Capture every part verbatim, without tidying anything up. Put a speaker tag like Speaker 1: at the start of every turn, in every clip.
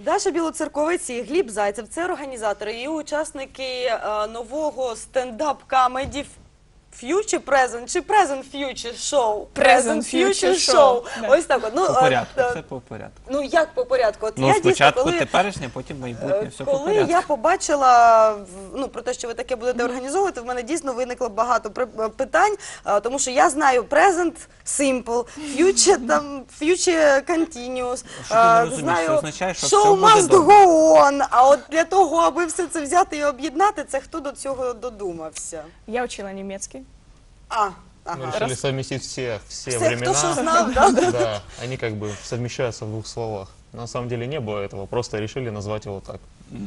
Speaker 1: Даша Білоцерковець і Гліб Зайцев – це організатори і учасники е, нового стендап-камеді Future Present чи Present Future Show?
Speaker 2: Present Future Show.
Speaker 1: Ось так от. Ну,
Speaker 3: По
Speaker 1: е,
Speaker 3: порядку,
Speaker 1: е,
Speaker 3: все по порядку.
Speaker 1: Ну, як по порядку? От
Speaker 3: Ну,
Speaker 1: я дійсно,
Speaker 3: спочатку
Speaker 1: коли...
Speaker 3: теперішнє, потім майбутнє, все по
Speaker 1: Коли
Speaker 3: порядку.
Speaker 1: я побачила ну, про те, що ви таке будете організовувати, в мене дійсно виникло багато при- питань, а, тому що я знаю Present Simple, Future, там, Future Continuous,
Speaker 3: Що ти не
Speaker 1: а,
Speaker 3: розумієш,
Speaker 1: знаю
Speaker 3: що означає, що
Speaker 1: Show
Speaker 3: все буде
Speaker 1: Must
Speaker 3: добре.
Speaker 1: Go On, а от для того, аби все це взяти і об'єднати, це хто до цього додумався?
Speaker 2: Я учила немецкий.
Speaker 1: А,
Speaker 4: Мы
Speaker 1: ага.
Speaker 4: решили совместить все, все,
Speaker 1: Все,
Speaker 4: времена.
Speaker 1: хто що знав, да?
Speaker 4: Да, они как бы совмещаются в двух словах. На самом деле не было этого, просто решили назвать его так.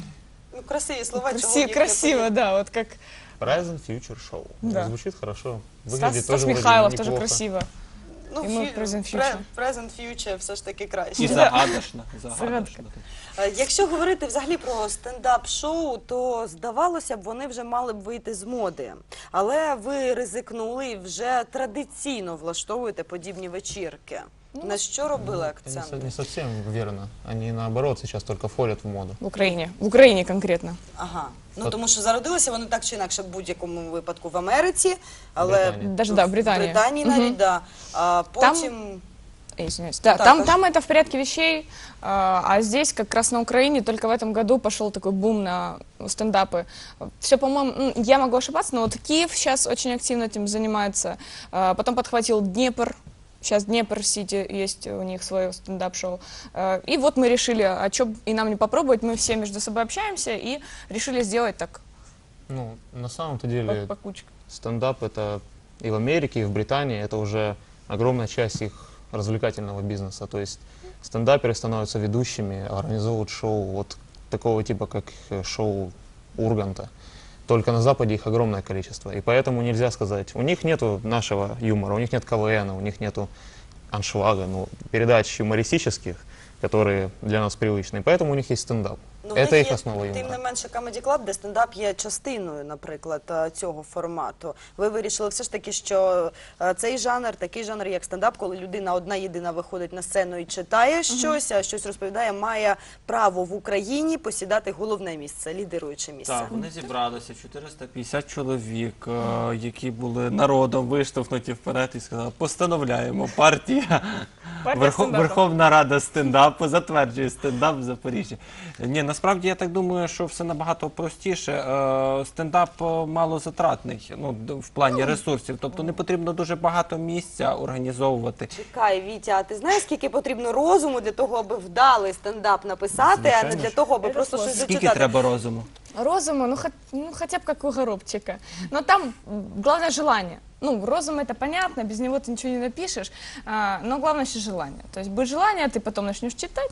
Speaker 1: Ну, красиві слова, чого
Speaker 2: Красиво,
Speaker 1: їх не
Speaker 2: красиво,
Speaker 1: поїхати.
Speaker 2: да, вот как
Speaker 4: Present Future Show.
Speaker 2: Да.
Speaker 4: Звучит хорошо.
Speaker 2: Стас,
Speaker 4: Выглядит
Speaker 2: Стас
Speaker 4: тоже вроде
Speaker 2: Михайлов, тоже
Speaker 4: неплохо.
Speaker 2: красиво.
Speaker 1: Ну,
Speaker 2: І ми
Speaker 1: фі-
Speaker 2: Present
Speaker 1: пре-
Speaker 2: Future.
Speaker 1: Present Future все ж таки краще.
Speaker 3: І загадочно, загадочно.
Speaker 2: Загадка.
Speaker 1: Е, Якщо говорити взагалі про стендап-шоу, то здавалося б, вони вже мали б вийти з моди. Але ви ризикнули і вже традиційно влаштовуєте подібні вечірки. На що робили
Speaker 4: Это не со-
Speaker 1: акцент?
Speaker 4: не совсем верно. Они наоборот сейчас только входят в моду.
Speaker 2: В Украине. В Украине конкретно.
Speaker 1: Ага. Ну
Speaker 4: От-
Speaker 1: тому що зародилися вони так чи інакше в будь-якому випадку в Америці, але
Speaker 4: Британії.
Speaker 2: Даже, да, Британія.
Speaker 1: в Британії
Speaker 2: Мгм.
Speaker 1: навіть, да. А потім
Speaker 2: Э, Извиняюсь. Да,
Speaker 1: Так,
Speaker 2: там,
Speaker 1: а
Speaker 2: там это в порядке вещей, а, а здесь, как раз на Украине, только в этом году пошел такой бум на стендапы. Все, по-моему, м, я могу ошибаться, но вот Киев сейчас очень активно этим занимается. А, потом подхватил Днепр. Сейчас Днепр-Сити есть у них свое стендап-шоу. А, и вот мы решили, а что и нам не попробовать, мы все между собой общаемся и решили сделать так
Speaker 4: Ну, на самом-то
Speaker 2: по,
Speaker 4: деле
Speaker 2: по кучкам.
Speaker 4: стендап это и в Америке, и в Британии это уже огромная часть их развлекательного бизнеса. То есть стендаперы становятся ведущими, организовывают шоу вот такого типа, как э, шоу Урганта. Только на Западе их огромное количество. И поэтому нельзя сказать, у них нету нашего юмора, у них нет КВН, у них нету аншлага, ну, передач юмористических, которые для нас привычны. И поэтому у них есть стендап.
Speaker 1: Ну, в
Speaker 4: Это
Speaker 1: них
Speaker 4: их
Speaker 1: є,
Speaker 4: основа
Speaker 1: тим не
Speaker 4: юмора.
Speaker 1: менше, Comedy Club, де стендап є частиною, наприклад, е, цього формату. Ви вирішили все ж таки, що е, цей жанр, такий жанр, як стендап, коли людина одна єдина виходить на сцену і читає щось, а щось розповідає, має право в Україні посідати головне місце, лідируюче місце.
Speaker 3: Так, вони зібралися, чотириста п'ятдесят чоловік, е, які були народом виштовхнуті вперед і сказали, постановляємо, партія,
Speaker 2: Партія
Speaker 3: Верхов-
Speaker 2: стендапу.
Speaker 3: Верховна Рада стендапу затверджує стендап в Запоріжжі. Ні, насправді я так думаю, що все набагато простіше. Е, Стендап е, малозатратний, ну, д- в плані ресурсів, тобто не потрібно дуже багато місця організовувати.
Speaker 1: Чекай, Вітя, а ти знаєш, скільки потрібно розуму для того, аби вдалий стендап написати, а не
Speaker 4: Звичайно
Speaker 1: для
Speaker 4: ж.
Speaker 1: того, аби
Speaker 2: Це
Speaker 1: просто щось
Speaker 2: сложно.
Speaker 3: Скільки
Speaker 1: зачитати?
Speaker 3: треба розуму?
Speaker 2: Розума, ну, хот- ну хотя бы как у Горобчика. Но там м, главное желание. Ну, розум это понятно, без него ты ничего не напишешь, а, но главное еще желание. То есть будет желание, ты потом начнешь читать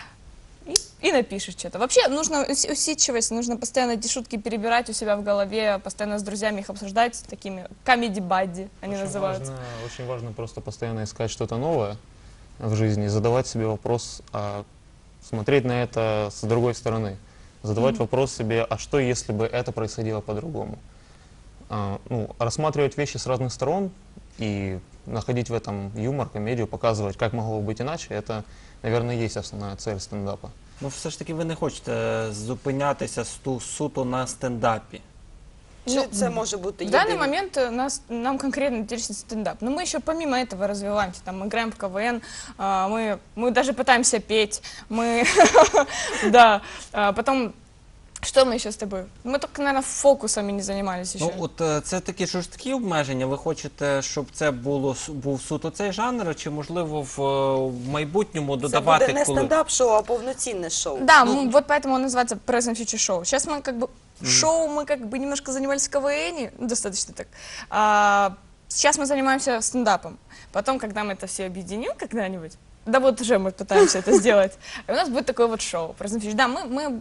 Speaker 2: и, и напишешь что-то. Вообще нужно ус- усидчивость, нужно постоянно эти шутки перебирать у себя в голове, постоянно с друзьями их обсуждать, такими comedy-buddy они
Speaker 4: Очень
Speaker 2: называются.
Speaker 4: важно, очень важно просто постоянно искать что-то новое в жизни и задавать себе вопрос, а смотреть на это с другой стороны. Задавать вопрос себе, а что если бы это происходило по-другому? А, ну, рассматривать вещи с разных сторон и находить в этом юмор, комедию, показывать, как могло бы быть иначе, это, наверное, и есть основная цель стендапа.
Speaker 3: Ну, все ж таки ви не хочете зупинятися сту- суто на стендапі.
Speaker 1: Чи
Speaker 2: Ну,
Speaker 1: це може бути
Speaker 2: В данный
Speaker 1: єдине?
Speaker 2: момент э, нас, нам конкретно интересен стендап. Но мы еще помимо этого развиваемся. Там, мы играем в КВН, а, мы, мы даже пытаемся петь. Мы, да, а, потом, что мы еще с тобой? Мы только, наверное, фокусами не занимались еще.
Speaker 3: Ну, от е, це такі жорсткі обмеження. Ви хочете, щоб це було с- був суто цей жанр, чи можливо в, е, в майбутньому
Speaker 1: Це
Speaker 3: додавати
Speaker 1: буде не
Speaker 3: коли?
Speaker 1: стендап-шоу, а повноцінне шоу.
Speaker 2: Да, мы- вот поэтому он называется Present Future Show. Сейчас мы как бы шоу, мы как бы немножко занимались в КВН, ну, достаточно так. А, сейчас мы занимаемся стендапом. Потом, когда мы это все объединим когда-нибудь, да вот уже мы пытаемся это сделать, и у нас будет такое вот шоу. Present Future. Да, мы, мы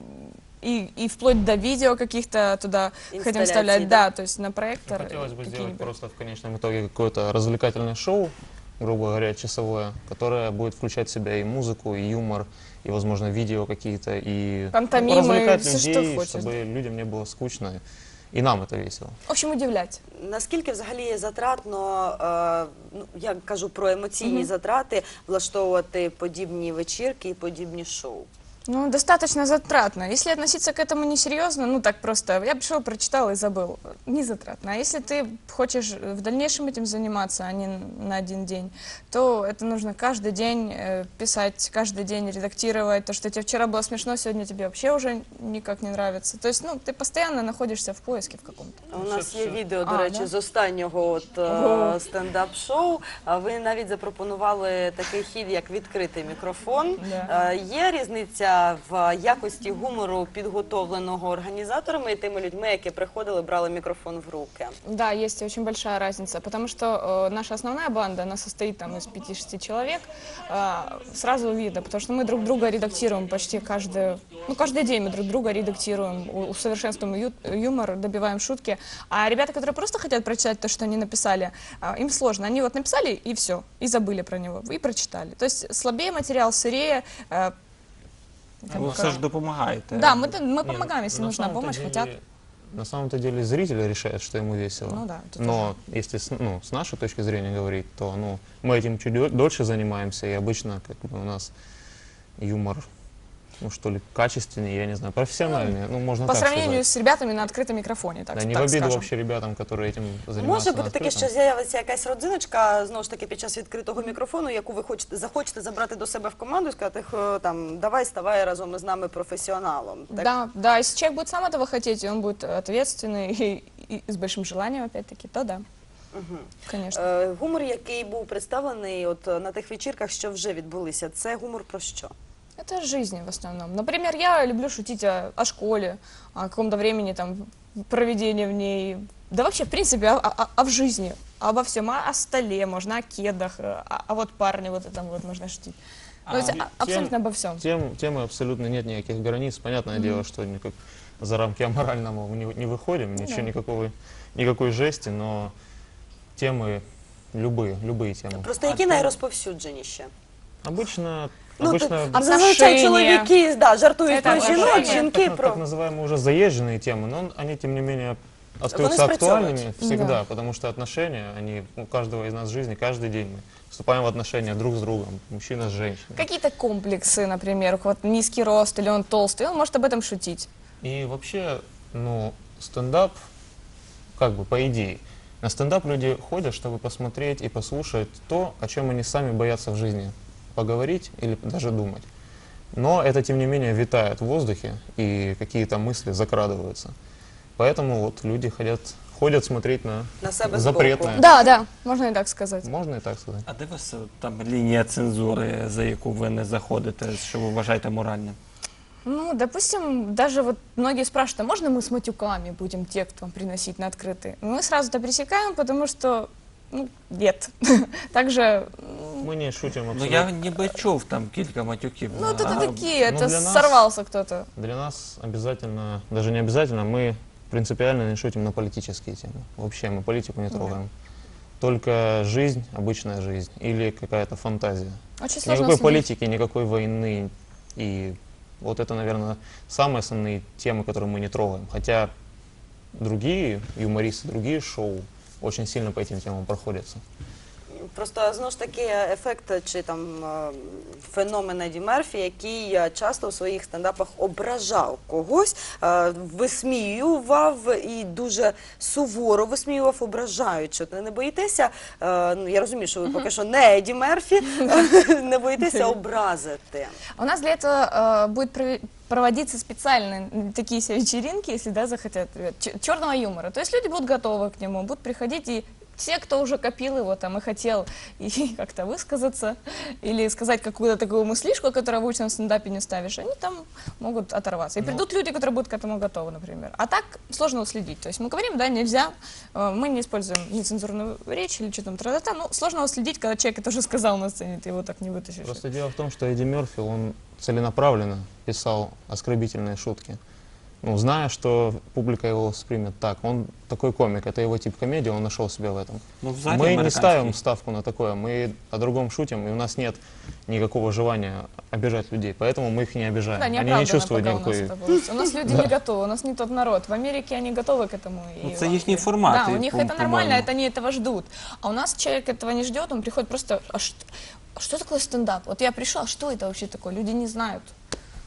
Speaker 2: и, и вплоть до видео каких-то туда хотим
Speaker 1: Инсталляций,
Speaker 2: вставлять,
Speaker 1: да?
Speaker 2: да, то есть на проектор.
Speaker 4: Хотелось бы сделать
Speaker 2: какие-нибудь.
Speaker 4: просто в конечном итоге какое-то развлекательное шоу, грубо говоря, часовое, которое будет включать в себя и музыку, и юмор, и, возможно, видео какие-то, и
Speaker 2: Пантомимы,
Speaker 4: развлекать
Speaker 2: всё, что
Speaker 4: людей,
Speaker 2: хочешь,
Speaker 4: чтобы людям не было скучно, и нам это весело.
Speaker 2: В общем, удивлять.
Speaker 1: Наскільки взагалі затратно, е, ну, я кажу про емоційні затрати, влаштовувати подібні вечірки і подібні шоу?
Speaker 2: Ну, достаточно затратно. Если относиться к этому несерьезно, ну так просто, я пришел, прочитал и забыл, не затратно. А если ты хочешь в дальнейшем этим заниматься, а не на один день, то это нужно каждый день э, писать, каждый день редактировать. То, что тебе вчера было смешно, сегодня тебе вообще уже никак не нравится. То есть, ну, ты постоянно находишься в поиске в каком-то.
Speaker 1: У нас є відео, до
Speaker 2: А,
Speaker 1: речі,
Speaker 2: да?
Speaker 1: з останнього от, е,
Speaker 2: Ого.
Speaker 1: стендап-шоу. А ви навіть запропонували такий хід, як відкритий мікрофон.
Speaker 2: Да.
Speaker 1: Е, Є різниця в якості гумору, підготовленого організаторами і тими людьми, які приходили, брали мікрофон в руки?
Speaker 2: Да, есть очень большая разница, потому что э, наша основная банда, она состоит там из пяти-шести человек, э, сразу видно, потому что мы друг друга редактируем почти каждый, ну, каждый день мы друг друга редактируем, у- усовершенствуем ю- юмор, добиваем шутки, а ребята, которые просто хотят прочитать то, что они написали, э, им сложно, они вот написали и все, и забыли про него, и прочитали, то есть слабее материал, сырее, э, там,
Speaker 3: Ви
Speaker 2: как-
Speaker 3: все ж допомагаєте.
Speaker 2: да, мы, мы
Speaker 4: Не,
Speaker 2: помогаем, если
Speaker 4: на
Speaker 2: нужна
Speaker 4: самом-то
Speaker 2: помощь,
Speaker 4: деле-
Speaker 2: хотят.
Speaker 4: На самом-то деле зритель решает, что ему весело.
Speaker 2: Ну да, тут
Speaker 4: Но если с, ну, с нашей точки зрения говорить, то ну, мы этим чуть дё- дольше занимаемся, и обычно как бы, у нас юмор, ну что ли, качественнее, я не знаю, профессиональнее, ну можно
Speaker 2: По
Speaker 4: так
Speaker 2: сравнению
Speaker 4: сказать.
Speaker 2: с ребятами на открытом микрофоне, так,
Speaker 4: Да, не
Speaker 2: так
Speaker 4: в обиду
Speaker 2: скажем.
Speaker 4: вообще ребятам, которые этим занимаются.
Speaker 1: Може
Speaker 4: на
Speaker 1: бути таке,
Speaker 4: открытом.
Speaker 1: що з'явиться якась родзиночка, знову ж таки, під час відкритого мікрофону, яку ви хочете, захочете забрати до себе в команду і сказати, «Хо, там, давай, ставай разом із нами професіоналом». Так?
Speaker 2: Да, да, если человек будет сам этого хотеть, и он будет ответственный и, и с большим желанием, опять-таки, то да, конечно.
Speaker 1: Е, Гумор, який був представлений от на тих вечірках, що вже відбулися, це гумор про що?
Speaker 2: Это жизнь в основном. Например, я люблю шутить о, о школе, о каком-то времени там проведения в ней, да вообще, в принципе, о, о- о в жизни, обо всем, о, о столе, можно о кедах, а, а вот парне вот этом вот можно шутить. То есть
Speaker 4: А,
Speaker 2: а- абсолютно
Speaker 4: тем-
Speaker 2: обо всем.
Speaker 4: Тем, темы абсолютно нет никаких границ. Понятное дело, что никак за рамки аморального мы не, не выходим, ничего,
Speaker 2: да.
Speaker 4: никакого, никакой жести, но темы любые, любые темы.
Speaker 1: Просто які найрозповсюдженіші?
Speaker 4: Обычно,
Speaker 1: Ну,
Speaker 4: обычно
Speaker 1: то- а зазвичай
Speaker 2: Отношення.
Speaker 1: чоловіки да, жартують
Speaker 2: Це
Speaker 1: про
Speaker 2: так,
Speaker 1: жінок,
Speaker 2: отношення.
Speaker 1: жінки
Speaker 4: так,
Speaker 1: про...
Speaker 4: так называемые уже заезженные темы, но они, тем не менее, остаются
Speaker 1: спрацовывают.
Speaker 4: актуальными всегда,
Speaker 2: Да.
Speaker 4: потому что отношения, они у каждого из нас в жизни, каждый день мы вступаем в отношения друг с другом, мужчина с женщиной.
Speaker 2: Какие-то комплексы, например, вот низкий рост или он толстый, он может об этом шутить.
Speaker 4: И вообще, ну, стендап, как бы по идее, на стендап люди ходят, чтобы посмотреть и послушать то, о чем они сами боятся в жизни поговорить или даже думать. Но это, тем не менее, витает в воздухе, и какие-то мысли закрадываются. Поэтому вот люди ходят, ходят смотреть на,
Speaker 1: На себе
Speaker 4: запретное.
Speaker 1: збоку.
Speaker 2: Да, да, можно и так сказать.
Speaker 4: Можно и так сказать.
Speaker 3: А де у вас е, там лінія цензури, за яку ви не заходите, що ви вважаєте моральним?
Speaker 2: Ну, допустим, даже вот многие спрашивают, а можно мы с матюками будем текст вам приносить на открытый? Мы сразу это пресекаем, потому что, ну, нет. Также, м,
Speaker 4: Мы не шутим
Speaker 3: Ну
Speaker 4: абсолютно.
Speaker 3: я ніби чув там кілька матюків.
Speaker 2: ну, это
Speaker 3: А,
Speaker 2: такие,
Speaker 4: ну,
Speaker 2: это
Speaker 4: для нас-
Speaker 2: сорвался кто-то.
Speaker 4: Для нас обязательно, даже не обязательно, мы принципиально не шутим на политические темы. Вообще мы политику не трогаем. Только жизнь, обычная жизнь или какая-то фантазия.
Speaker 2: Очень сложно
Speaker 4: Никакой
Speaker 2: следить.
Speaker 4: политики, никакой войны. И вот это, наверное, самые основные темы, которые мы не трогаем. Хотя другие юмористы, другие шоу очень сильно по этим темам проходятся.
Speaker 1: Просто знову ж таки ефект чи там е, феномен Еді Мерфі, який е, часто у своїх стендапах ображав когось, е, висміював і дуже суворо висміював, ображаючи. От не боїтеся, е, ну я розумію, що ви поки що не Еді Мерфі, не боїтеся образити.
Speaker 2: У нас для этого э, будет прове- проводиться специальные м, такие себе вечеринки, если да, захотят, э, ч- черного юмора. То есть люди будут готовы к нему, будут приходить, и те, кто уже копил его там и хотел и как-то высказаться, или сказать какую-то такую мыслишку, которую в обычном стендапе не ставишь, они там могут оторваться. И придут люди, которые будут к этому готовы, например. А так сложно уследить. То есть мы говорим, да, нельзя, э, мы не используем нецензурную речь или что там, тра-та-та. Ну, сложно уследить, когда человек это уже сказал на сцене, ты его так не вытащишь.
Speaker 4: Просто дело в том, что Эдди Мерфи, он целенаправленно писал оскорбительные шутки. Ну, зная, что публика его воспримет так. Он такой комик, это его тип комедии, он нашел себя в этом.
Speaker 3: Ну, взагалі
Speaker 4: Мы не
Speaker 3: американський.
Speaker 4: ставим ставку на такое, мы о другом шутим, и у нас нет никакого желания обижать людей, поэтому мы их не обижаем.
Speaker 2: Да,
Speaker 4: Они не
Speaker 2: неоправданно
Speaker 4: чувствуют
Speaker 2: пока у нас
Speaker 4: никакой...
Speaker 2: это было. У нас люди не готовы, у нас не тот народ. В Америке они готовы к этому. и
Speaker 3: Ну,
Speaker 2: в
Speaker 3: це їхній
Speaker 2: Англии.
Speaker 3: формат,
Speaker 2: Да,
Speaker 3: і,
Speaker 2: у них
Speaker 3: по-
Speaker 2: это нормально,
Speaker 3: по-моєму.
Speaker 2: это они этого ждут. А у нас человек этого не ждет, он приходит просто, а что, а что такое стендап? Вот я пришел, а что это вообще такое? Люди не знают.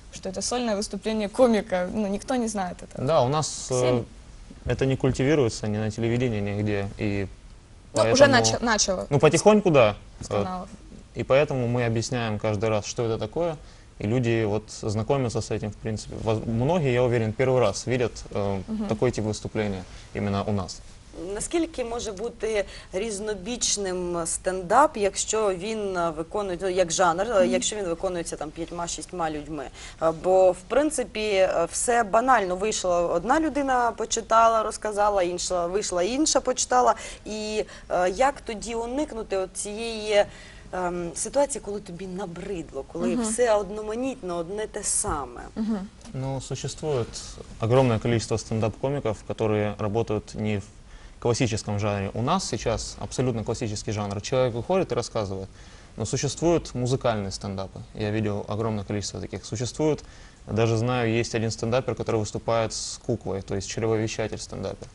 Speaker 2: что это сольное выступление комика. Ну, никто не знает этого.
Speaker 4: Да, у нас э,
Speaker 2: Всем.
Speaker 4: это не культивируется ни на телевидении, нигде. И
Speaker 2: Ну,
Speaker 4: поэтому-
Speaker 2: уже начало, начало
Speaker 4: Ну, потихоньку, да.
Speaker 2: с
Speaker 4: Э,
Speaker 2: каналов.
Speaker 4: И поэтому мы объясняем каждый раз, что это такое. И люди вот знакомятся с этим, в принципе. Воз- Многие, я уверен, первый раз видят э, такой тип выступления именно у нас.
Speaker 1: Наскільки може бути різнобічним стендап, якщо він е, виконує, ну, як жанр, е, якщо він виконується там п'ятьма-шістьма людьми? Е, Бо, в принципі, е, все банально. Вийшла одна людина, почитала, розказала, інша вийшла інша, почитала. І е, як тоді уникнути от цієї ем, ситуації, коли тобі набридло, коли все одноманітно, одне те саме?
Speaker 4: Ну, существует огромное количество стендап-комиков, которые работают не в классическом жанре. У нас сейчас абсолютно классический жанр. Человек выходит и рассказывает. Но существуют музыкальные стендапы. Я видел огромное количество таких. Существует, даже знаю, есть один стендапер, который выступает с куклой, то есть чревовещатель стендапер.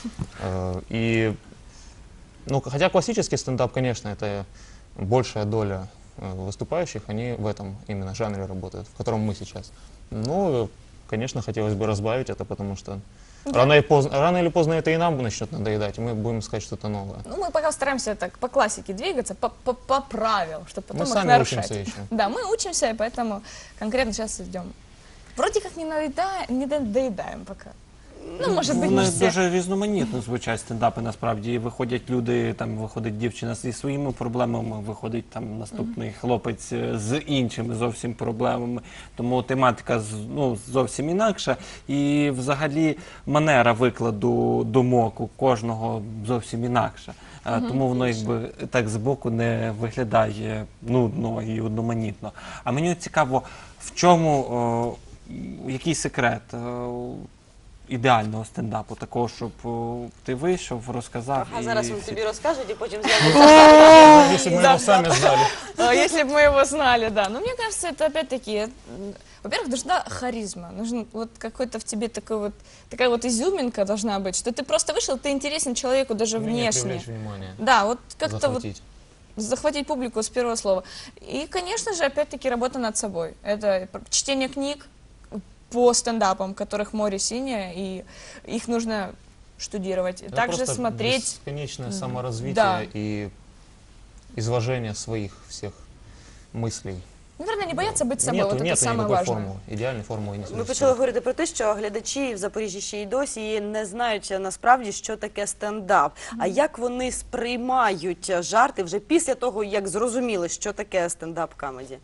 Speaker 4: Э, И, ну, хотя классический стендап, конечно, это большая доля э, выступающих, они в этом именно жанре работают, в котором мы сейчас. Ну, конечно, хотелось бы разбавить это, потому что рано, и поздно, рано или поздно это и нам начнет надоедать, и мы будем искать что-то новое.
Speaker 2: Ну, мы пока стараемся так по классике двигаться, по, по, по правилам, чтобы потом
Speaker 4: Мы
Speaker 2: их
Speaker 4: сами
Speaker 2: нарушать.
Speaker 4: учимся еще.
Speaker 2: Да, мы учимся, и поэтому конкретно сейчас идем. Вроде как не, наеда- не доедаем пока. Ну, может быть, не
Speaker 3: Вони
Speaker 2: все.
Speaker 3: дуже різноманітно звучать стендапи, насправді. І виходять люди, там виходить дівчина зі своїми проблемами, виходить там наступний хлопець е, з іншими зовсім проблемами. Тому тематика з- ну, зовсім інакша. І взагалі манера викладу думок у кожного зовсім інакша. Е, Тому воно якби так збоку не виглядає нудно і одноманітно. А мені цікаво, в чому, о, який секрет о, ідеального стендапу, такого, щоб о, ти вийшов, розказав.
Speaker 1: А
Speaker 3: і
Speaker 1: зараз він
Speaker 3: всі-
Speaker 1: тобі розкажуть і потім з'явиться.
Speaker 4: Если бы мы его сами знали.
Speaker 2: А, Если бы мы его знали, да. Но мне кажется, это опять-таки, м, во-первых, нужна харизма, нужен вот какой-то в тебе такой вот, такая вот изюминка должна быть, что ты просто вышел, ты интересен человеку даже
Speaker 4: Умение
Speaker 2: внешне.
Speaker 4: привлечь внимание,
Speaker 2: Да, вот как-то вот
Speaker 4: захватить.
Speaker 2: захватить публику с первого слова. И, конечно же, опять-таки работа над собой. Это чтение книг по стендапам, которых море синее, и их нужно штудировать.
Speaker 4: Это
Speaker 2: Также
Speaker 4: просто
Speaker 2: смотреть.
Speaker 4: бесконечное саморазвитие
Speaker 2: Да.
Speaker 4: и изложение своих всех мыслей.
Speaker 2: Наверное, не бояться быть собой,
Speaker 4: Нету,
Speaker 2: вот это
Speaker 4: нету
Speaker 2: самое
Speaker 4: никакой
Speaker 2: важное.
Speaker 4: формулы. Идеальной формулы не
Speaker 1: Ми
Speaker 4: существует.
Speaker 1: почали говорити про те, що глядачі в Запоріжжі ще й досі не знають е, насправді, що таке стендап. А як вони сприймають е, жарти вже після того, як зрозуміли, що таке стендап-камеді?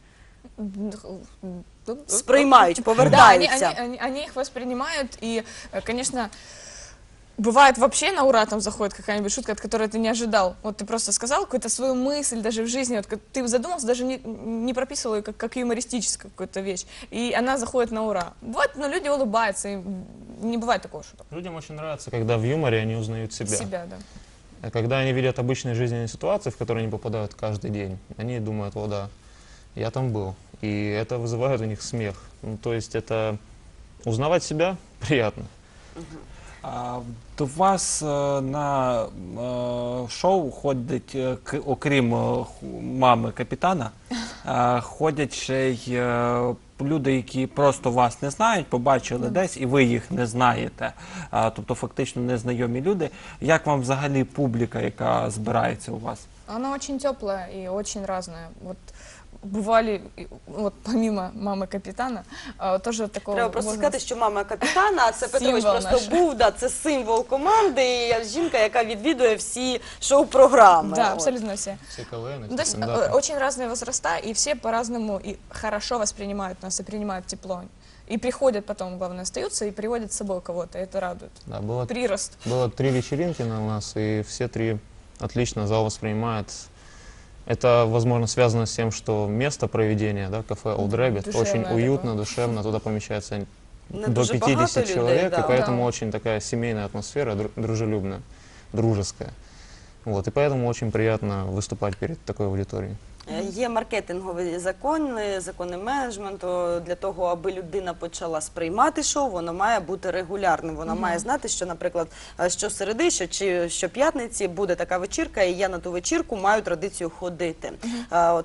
Speaker 1: Сприймають,
Speaker 2: Да, они,
Speaker 1: повертаються.
Speaker 2: они, они, они их воспринимают, и, э, конечно, бывает вообще на ура там заходит какая-нибудь шутка, от которой ты не ожидал. Вот ты просто сказал какую-то свою мысль даже в жизни, вот как ты задумался, даже не, не прописывал ее как, как юмористическую какую-то вещь, и она заходит на ура. Бывает, но люди улыбаются, и не бывает такого шуток.
Speaker 4: Людям очень нравится, когда в юморе они узнают себя.
Speaker 2: Себя, да.
Speaker 4: А когда они видят обычные жизненные ситуации, в которые они попадают каждый день, они думают: о да, я там был. И это вызывает у них смех. Ну, то есть это узнавать себя приятно.
Speaker 3: А, До вас е, на е, шоу ходить, е, к- окрім е, ху- мами капітана, е, ходять ще й е, люди, які просто вас не знають, побачили десь, і ви їх не знаєте. А, Тобто фактично незнайомі люди. Як вам взагалі публіка, яка збирається у вас?
Speaker 2: Она очень теплая и очень разная. Вот бывали, и, вот помимо мамы капитана, а, тоже такого...
Speaker 1: Треба просто
Speaker 2: можно
Speaker 1: сказати, що мама капітана, а це Петрович
Speaker 2: Символ
Speaker 1: просто
Speaker 2: наш.
Speaker 1: був, да, це символ команди, і жінка, яка відвідує всі шоу-програми.
Speaker 2: Да,
Speaker 1: От.
Speaker 2: абсолютно все.
Speaker 4: Все КВН,
Speaker 2: Ну, то есть
Speaker 4: стендапы.
Speaker 2: э, очень разные возраста, и все по-разному и хорошо воспринимают нас, и принимают тепло. И приходят потом, главное, остаются и приводят с собой кого-то, и это радует.
Speaker 4: Да, было,
Speaker 2: Прирост.
Speaker 4: было три вечеринки на у нас, и все три отлично зал воспринимает. Это, возможно, связано с тем, что место проведения, да, кафе Old Rabbit,
Speaker 2: Душевное
Speaker 4: очень уютно,
Speaker 2: такое.
Speaker 4: душевно, туда помещается
Speaker 1: Не
Speaker 4: до
Speaker 1: дуже багато
Speaker 4: пятидесяти
Speaker 1: людей,
Speaker 4: человек,
Speaker 1: да.
Speaker 4: и поэтому
Speaker 2: Да.
Speaker 4: очень такая семейная атмосфера, дру- дружелюбная, дружеская. Вот, и поэтому очень приятно выступать перед такой аудиторией.
Speaker 1: Е, Є маркетингові закони, закони менеджменту. Для того, аби людина почала сприймати шоу, воно має бути регулярним. Вона має знати, що, наприклад, е, щосереди, що чи щоп'ятниці буде така вечірка, і я на ту вечірку маю традицію ходити. Е, От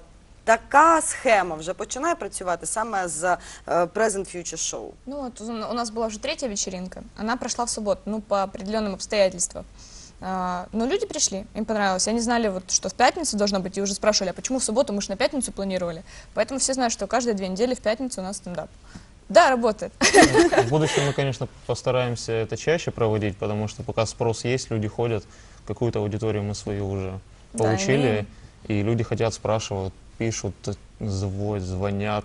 Speaker 1: така схема вже починає працювати саме з е, Present Future Show?
Speaker 2: Ну вот у у нас была уже третья вечеринка, она прошла в субботу, ну по определенным обстоятельствам. А, но люди пришли, им понравилось. Они знали, вот, что в пятницу должно быть, и уже спрашивали, а почему в субботу, мы же на пятницу планировали. Поэтому все знают, что каждые две недели в пятницу у нас стендап. Да, работает.
Speaker 4: В будущем мы, конечно, постараемся это чаще проводить, потому что пока спрос есть, люди ходят, какую-то аудиторию мы свою уже
Speaker 2: Да,
Speaker 4: получили,
Speaker 2: имеем.
Speaker 4: и люди хотят, спрашивают, пишут, звонят, звонят.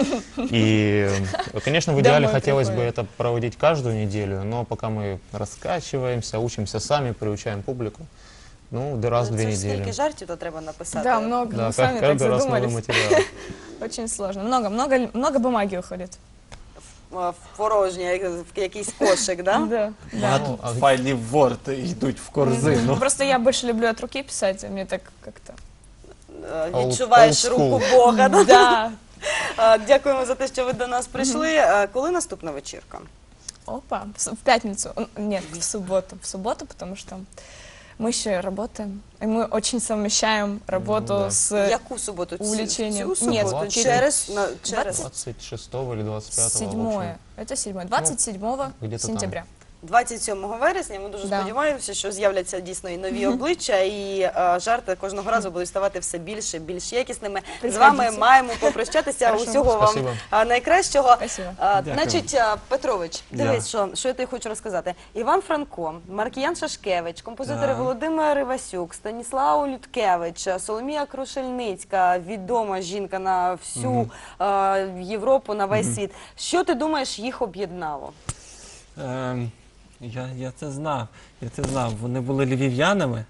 Speaker 4: И, конечно, в идеале
Speaker 2: Домой
Speaker 4: хотелось бы
Speaker 2: приходят.
Speaker 4: это проводить каждую неделю, но пока мы раскачиваемся, учимся сами, приучаем публику, ну, да раз в две
Speaker 1: Це ж скільки
Speaker 4: недели.
Speaker 1: жартів то треба написати.
Speaker 2: Да, много,
Speaker 4: Да,
Speaker 2: мы сами
Speaker 4: как-
Speaker 2: так
Speaker 4: каждый раз новый
Speaker 2: задумались.
Speaker 4: материал.
Speaker 2: Очень сложно. Много, много, много бумаги уходит.
Speaker 1: Е, В порожнє, як- в якийсь кошик, да?
Speaker 2: Да, да.
Speaker 3: Багато
Speaker 4: Ну, а-
Speaker 3: файлів Word йдуть в корзину.
Speaker 2: Просто я больше люблю от руки писать, а мне так как-то...
Speaker 1: Е,
Speaker 4: Old-
Speaker 1: Відчуваєш
Speaker 4: old
Speaker 1: руку
Speaker 4: school.
Speaker 1: Бога. Да?
Speaker 2: Да.
Speaker 1: Е, Дякуємо за те, що ви до нас прийшли. Е, Коли наступна вечірка?
Speaker 2: Опа, в с- в пятницу. Н- Нет, в субботу. В субботу, потому что мы еще работаем. И мы очень совмещаем работу
Speaker 4: Ну да.
Speaker 2: с
Speaker 1: Яку суботу? Цю-
Speaker 2: увлечением.
Speaker 1: Цю
Speaker 2: Нет,
Speaker 1: суботу?
Speaker 4: двадцять-
Speaker 1: Через, на, через
Speaker 4: двадцать шестого или двадцать пятого. в
Speaker 2: седьмое.
Speaker 4: общем.
Speaker 2: Это седьмое. двадцать седьмого
Speaker 4: где-то там.
Speaker 2: сентября.
Speaker 1: двадцять сьомого вересня. Ми дуже
Speaker 2: Да.
Speaker 1: сподіваємося, що з'являться дійсно і нові обличчя, і е, жарти кожного разу будуть ставати все більше, більш якісними. З
Speaker 2: Приходіть.
Speaker 1: вами маємо попрощатися.
Speaker 2: Хорошо.
Speaker 1: Усього вам
Speaker 4: Спасибо.
Speaker 1: е, найкращого.
Speaker 2: Спасибо.
Speaker 1: Е,
Speaker 3: Дякую.
Speaker 1: Значить, е, Петрович, дивись,
Speaker 3: Я.
Speaker 1: що, що я тобі хочу розказати. Іван Франко, Маркіян Шашкевич, композитори
Speaker 3: Так.
Speaker 1: Володимир Івасюк, Станіслав Людкевич, Соломія Крушельницька, відома жінка на всю е, Європу, на весь світ. Що ти думаєш, їх об'єднало?
Speaker 3: Ем, я, я це знав. Я це знав. Вони були львів'янами.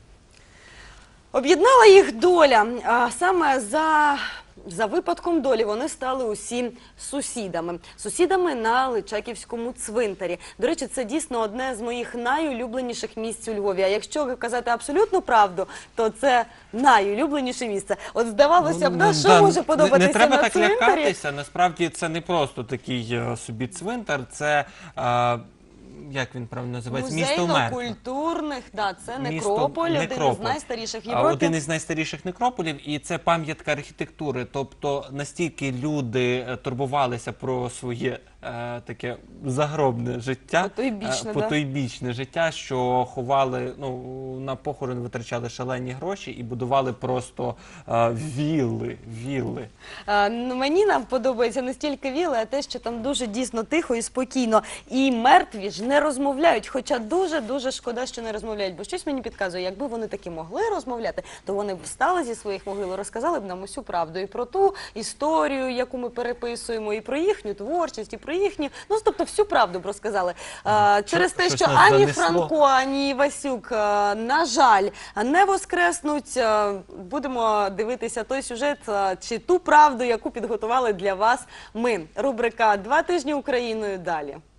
Speaker 1: Об'єднала їх доля. А саме за, за випадком долі вони стали усі сусідами. Сусідами на Личаківському цвинтарі. До речі, це дійсно одне з моїх найулюбленіших місць у Львові. А якщо казати абсолютну правду, то це найулюбленіше місце. От здавалося б, да, що
Speaker 3: да,
Speaker 1: може
Speaker 3: не-
Speaker 1: подобатися
Speaker 3: Не треба
Speaker 1: на
Speaker 3: так
Speaker 1: цвинтарі?
Speaker 3: лякатися. Насправді це не просто такий е, собі цвинтар, це, е, як він правильно називається, місто мертвих.
Speaker 1: Музейно-культурних, да, це
Speaker 3: Місто-
Speaker 1: некрополь, один із
Speaker 3: некрополь.
Speaker 1: найстаріших в
Speaker 3: А,
Speaker 1: Європі.
Speaker 3: Один із найстаріших некрополів, і це пам'ятка архітектури. Тобто настільки люди е, турбувалися про своє е, таке загробне життя,
Speaker 1: Потойбічне,
Speaker 3: е,
Speaker 1: да.
Speaker 3: потойбічне життя, що ховали, ну, на похорон витрачали шалені гроші і будували просто е, вілли, вілли.
Speaker 1: А, ну, мені нам подобається не стільки віли, а те, що там дуже дійсно тихо і спокійно. І мертві ж не розмовляють, хоча дуже-дуже шкода, що не розмовляють. Бо щось мені підказує, якби вони таки могли розмовляти, то вони б встали зі своїх могил і розказали б нам усю правду. І про ту історію, яку ми переписуємо, і про їхню творчість, і про їхню, ну, тобто всю правду б розказали. А, через те,
Speaker 3: щось
Speaker 1: що
Speaker 3: нас
Speaker 1: ані
Speaker 3: занесло.
Speaker 1: Франко, ані Івасюк, а, на жаль, не воскреснуть. А, Будемо дивитися той сюжет а, чи ту правду, яку підготували для вас ми. Рубрика «Два тижні Україною» далі.